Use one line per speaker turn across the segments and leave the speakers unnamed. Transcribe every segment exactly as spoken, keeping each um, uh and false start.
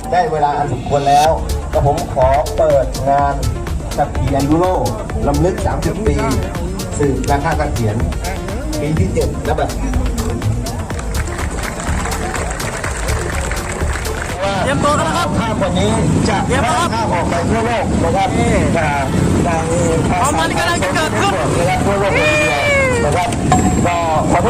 ได้เวลาอันสมควรแล้วก็ผมขอเปิดงานขับขี่แอนดูโรลำลึกสามสิบปีสืบนาคาเกษียณปีที่เจ็ดและแบบ
เตรียมตัวกันแล้วครับ
ภาพวันนี้จะแพร่ภาพออกไปทั่วโลกนะครับจากทาง
ความมันกำลังจะเกิดขึ้น
นะครับทั่วโลกนะครับก็ขอให้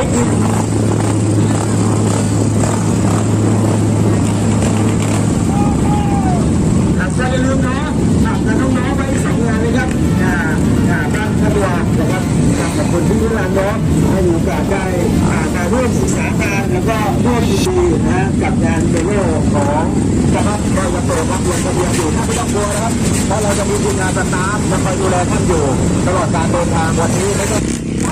อย่าลืมนะฝากน้องๆไปสองงานเลยครับอ่าอ่าบ้านพัทยานะครับขอบคุณที่ทุกท่านน้องให้มีโอกาสได้มาร่วมศึกษาการแล้วก็ร่วมยินดีนะกับงานเดโลของจังหวัดเราจะเปิดรับลงทะเบียนอยู่ท่านไม่ต้องกลัวนะครับเพราะเราจะมีทีมงานสตาฟมาคอยดูแลท่านอยู่ตลอดการเดินทางวันนี้ไม่ต้อง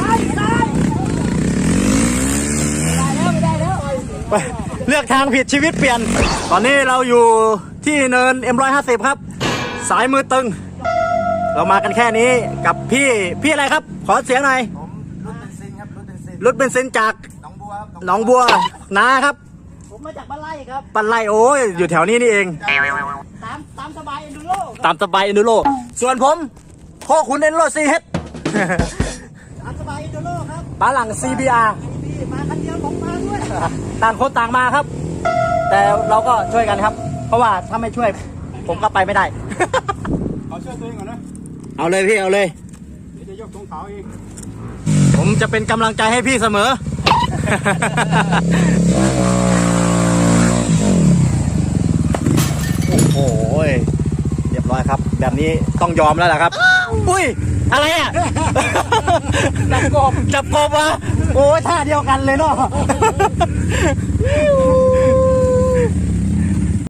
ไปเลือกทางผิดชีวิตเปลี่ยนตอนนี้เราอยู่ที่เนิน เอ็ม หนึ่งห้าศูนย์ ครับสายมือตึงเรามากันแค่นี้กับพี่พี่อะไรครับขอเสียงหน่อย
ผมรถเบนซินครับรถเบนซิน
รถเบนซินจาก
หนองบัวครับ
หนองบัวนาครับ
ผมมาจากบ้านไร่ครับ
ปันไลโอ้ยอยู่แถวนี้นี่เอง
ตามตามสบายเอ็นดูโร
ตามสบายเอ็นดูโรส่วนผมโคคุณเอ็นโรซีเฮด
ตามสบายเอ็นดูโรครับ
ปาหลัง ซี บี อาร์
มาคันเดียวผมมาด้วย
ต่างคนต่างมาครับแต่เราก็ช่วยกันครับเพราะว่าถ้าไม่ช่วยผมก็ไปไม่ได้
เอาช่วยตัวเองก่อนนะ
เอาเลยพี่เอาเลย
เดี๋ยวจะยกธงขาวเอง
ผมจะเป็นกำลังใจให้พี่เสมอโอ้โหเรียบร้อยครับแบบนี้ต้องยอมแล้วแหละครับอุ้ยอะไรอ่ะจับกบจับกบวะโอ้ยท่าเดียวกันเลยเนาะ